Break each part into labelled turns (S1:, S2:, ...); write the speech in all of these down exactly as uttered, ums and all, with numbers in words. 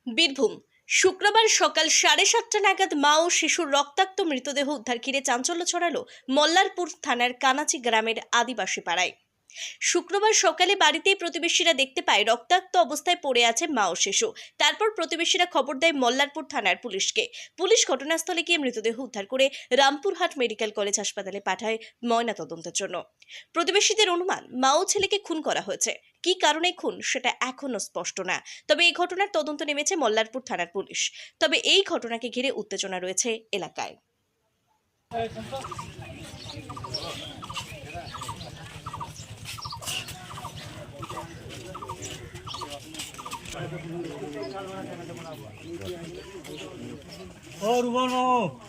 S1: বীরভূম শুক্রবার সকাল সাড়ে সাতটা নাগাদ মা ও শিশুর রক্তাক্ত মৃতদেহ উদ্ধার ঘিরে চাঞ্চল্য ছড়ালো মল্লারপুর থানার কানাচি গ্রামের আদিবাসী পাড়ায়। শুক্রবার সকালে বাড়িতেই প্রতিবেশীরা দেখতে পায় রক্তাক্ত অবস্থায় পড়ে আছে মা ও শিশু। তারপর প্রতিবেশীরা খবর দেয় মল্লারপুর থানার পুলিশকে। পুলিশ ঘটনাস্থলে গিয়ে মৃতদেহ উদ্ধার করে রামপুরহাট মেডিকেল কলেজ হাসপাতালে পাঠায় ময়নাতদন্তের জন্য। প্রতিবেশীদের অনুমান মা ও ছেলেকে খুন করা হয়েছে। কি কারণে খুন সেটা এখনো স্পষ্ট না। তবে এই ঘটনার তদন্ত নেমেছে মল্লারপুর থানার পুলিশ। তবে এই ঘটনাকে ঘিরে উত্তেজনা রয়েছে এলাকায়।
S2: और बनो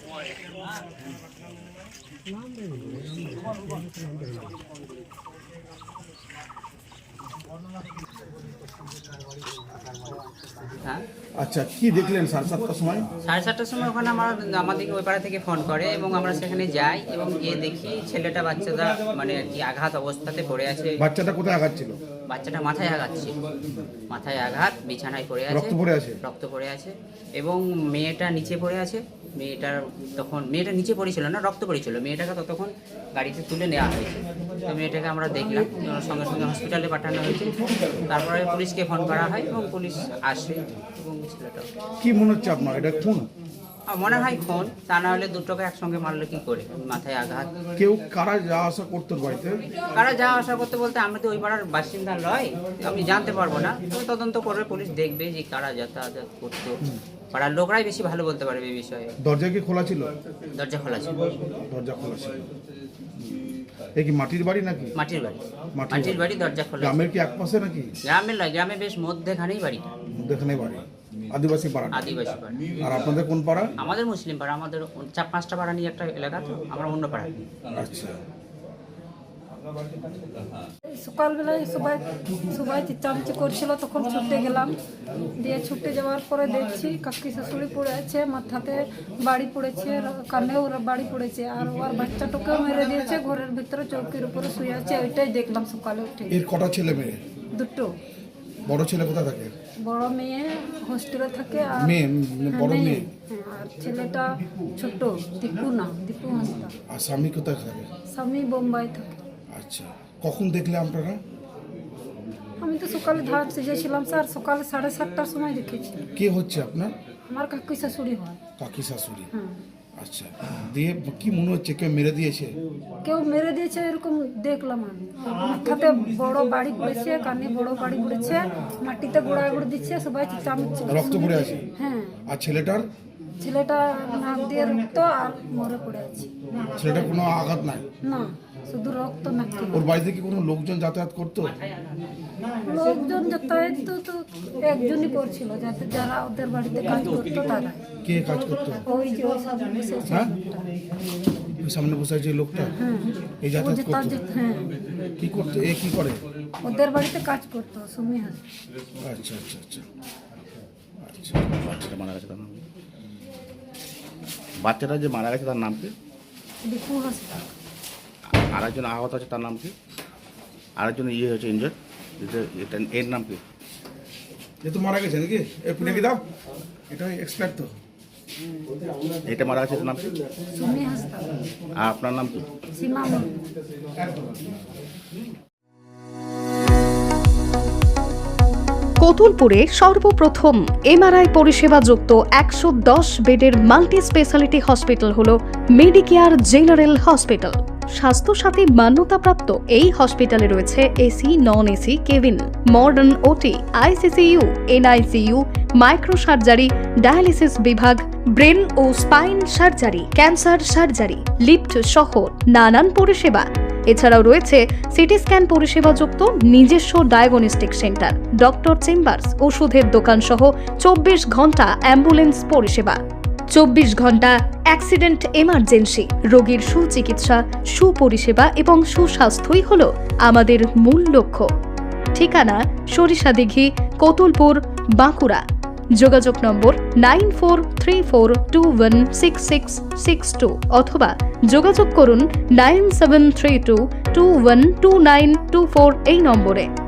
S3: আচ্ছা, কি দেখলেন সাড়ে সাতটার সময়?
S4: সাড়ে সাতটার সময় ওখানে আমার আমাদেরকে ওই পাড়া থেকে ফোন করে এবং আমরা সেখানে যাই এবং গিয়ে দেখি ছেলেটা বাচ্চাটা মানে কি আঘাত অবস্থাতে পড়ে আছে।
S3: বাচ্চাটা কোথায় আঘাত ছিল?
S4: বাচ্চাটা মাথায় আঘাত ছিল, মাথায় আঘাত, বিছানায় পড়ে আছে,
S3: রক্ত পড়ে আছে
S4: রক্ত পড়ে আছে এবং মেয়েটা নিচে পড়ে আছে। মেয়েটার তখন মেয়েটা নিচে পড়েছিল না, রক্ত পড়েছিল। মেয়েটাকে ততক্ষণ গাড়িতে তুলে নেওয়া হয়েছে। তো মেয়েটাকে আমরা দেখলাম, সঙ্গে সঙ্গে হসপিটালে পাঠানো হয়েছে। তারপরে পুলিশকে ফোন করা হয় এবং পুলিশ আসে এবং ছেলেটা।
S3: কি মনে হচ্ছে আপনার, এটা খুন?
S4: মনে হয় খুন, তা না হলে দুটোকে একসঙ্গে মারলো কি করে? মাথায় আঘাত।
S3: কেউ কারা যাওয়া আসা করতো বাড়িতে?
S4: কারা যাওয়া আসা করতে বলতে আমি তো ওই পাড়ার বাসিন্দা নয়, আমি জানতে পারবো না। তো তদন্ত করবে পুলিশ, দেখবে যে কারা যাতায়াত করতো। পাড়ার লোকরাই বেশি ভালো বলতে পারবে এই বিষয়ে।
S3: দরজা কি খোলা ছিল?
S4: দরজা খোলা ছিল।
S3: দরজা খোলা ছিল। এই কি মাটির বাড়ি নাকি?
S4: মাটির বাড়ি। মাটির বাড়ি, দরজা খোলা।
S3: গ্রামের কি একপাশে নাকি?
S4: গ্রামের নয়, গ্রামে বেশ মধ্যেখানেই বাড়িটা।
S3: মধ্যেখানে বাড়ি, আদিবাসী পাড়া।
S4: আদিবাসী পাড়া।
S3: আর আপনাদের কোন পাড়া?
S4: আমাদের মুসলিম পাড়া। আমাদের চার পাঁচটা পাড়া নিয়ে একটা এলাকা, তো আমরা অন্য পাড়া।
S3: আচ্ছা,
S5: সকালবেলায় সবাই সবাই চিচামিচি করছিল, তখন ছুটে গেলাম। দিয়ে ছুটে যাওয়ার পরে দেখছি কাকি শাশুড়ি পড়ে আছে, মাথাতে বাড়ি পড়েছে, কানেও বাড়ি পড়েছে, আর ওর বাচ্চাটাকেও মেরে দিয়েছে। ঘরের ভিতরে চৌকির উপরে শুয়ে আছে। ওইটাই দেখলাম সকালে উঠে।
S3: এর কটা ছেলে মেয়ে?
S5: দুটো।
S3: বড় ছেলে কোথায় থাকে?
S5: বড় মেয়ে হোস্টেলে থাকে। আর
S3: মেয়ে বড়
S5: মেয়ে,
S3: মেয়ে।
S5: হ্যাঁ, আর ছেলেটা ছোট, দীপু না, দীপু হাঁসদা।
S3: আর স্বামী কোথায় থাকে?
S5: স্বামী বোম্বাই থাকে।
S3: আচ্ছা, কখন দেখলে আপনারা?
S5: আমি তো সকালে ধান সেজেছিলাম স্যার, সকালে সাড়ে সাতটার সময় দেখেছি।
S3: কে হচ্ছে আপনার?
S5: আমার কাকি শাশুড়ি হয়।
S3: কাকি শাশুড়ি।
S5: হুম।
S3: আচ্ছা, দিয়ে কি মনে হচ্ছে কেউ মেরে দিয়েছে?
S5: কেউ মেরে দিয়েছে এরকম দেখলাম আমি। মাথাতে বড় বাড়ি পড়েছে, কানে বড় বাড়ি পড়েছে, মাটিতে গোড়ায় গোড় দিচ্ছে, সবাই চামচ
S3: রক্ত পড়ে আছে।
S5: হ্যাঁ।
S3: আর ছেলেটার?
S5: ছেলেটা নাক দিয়ে রক্ত আর মরে পড়ে আছে।
S3: ছেলেটার কোনো আঘাত নাই?
S5: না, শুধু রক্ত নাকি।
S3: ওর বাড়িতে কি কোনো লোকজন যাতায়াত করতো?
S5: লোকজন যাতায়াত তো তো একজনই করছিল, যাতে যারা ওদের বাড়িতে কাজ করতো তারা।
S3: কে কাজ করতো?
S5: ওই যে ওই সামনে বসে আছে
S3: হ্যাঁ?
S5: লোকটা।
S3: ওই সামনে বসে আছে এই লোকটা?
S5: হ্যাঁ।
S3: এই
S5: ও
S3: যাতায়াত
S5: যেটা
S3: করতো?
S5: যে- হ্যাঁ,
S3: কি করতো? এ কি করে?
S5: ওদের বাড়িতে কাজ করতো, সুমি হাস।
S3: আচ্ছা আচ্ছা আচ্ছা আচ্ছা।
S6: বাচ্চাটা মারা গেছে তার নাম কি? বাচ্চাটা যে মারা গেছে তার নাম কি?
S5: দীপু হাসদা।
S6: আর একজন আহত আছে তার নাম কি? আরেকজন ইয়ে হয়েছে ইনজার, এটা এর নাম কি?
S3: এ তো মারা গেছে নাকি? এ পুনে কি দাও, এটা এক্সপার্ট তো।
S6: এটা মারা গেছে এটার নাম কি?
S5: সুমি হাসদা।
S6: আর আপনার নাম কি?
S5: সীমা মুর্মু।
S7: কতুলপুরে সর্বপ্রথম এমআরআই পরিষেবা যুক্ত একশো দশ বেডের মাল্টি স্পেশালিটি হসপিটাল হল মেডিকেয়ার জেনারেল হসপিটাল। স্বাস্থ্যসাথী মান্যতাপ্রাপ্ত এই হসপিটালে রয়েছে AC, non AC cabin, modern OT, ICCU, NICU, micro surgery, dialysis বিভাগ, ব্রেন ও spine surgery, cancer surgery, lift সহ নানান পরিষেবা। এছাড়াও রয়েছে সিটি স্ক্যান পরিষেবাযুক্ত নিজস্ব ডায়াগনস্টিক সেন্টার, ডক্টর চেম্বার্স, ওষুধের দোকান সহ চব্বিশ ঘন্টা অ্যাম্বুলেন্স পরিষেবা। চব্বিশ ঘন্টা অ্যাক্সিডেন্ট এমার্জেন্সি। রোগীর সুচিকিৎসা, সুপরিষেবা এবং সুস্বাস্থ্যই হল আমাদের মূল লক্ষ্য। ঠিকানা সরিষাদিঘি, কতুলপুর, বাঁকুড়া। যোগাযোগ number nine four three four two one six six six two অথবা যোগাযোগ করুন nine seven three two two one two nine two four এই নম্বরে।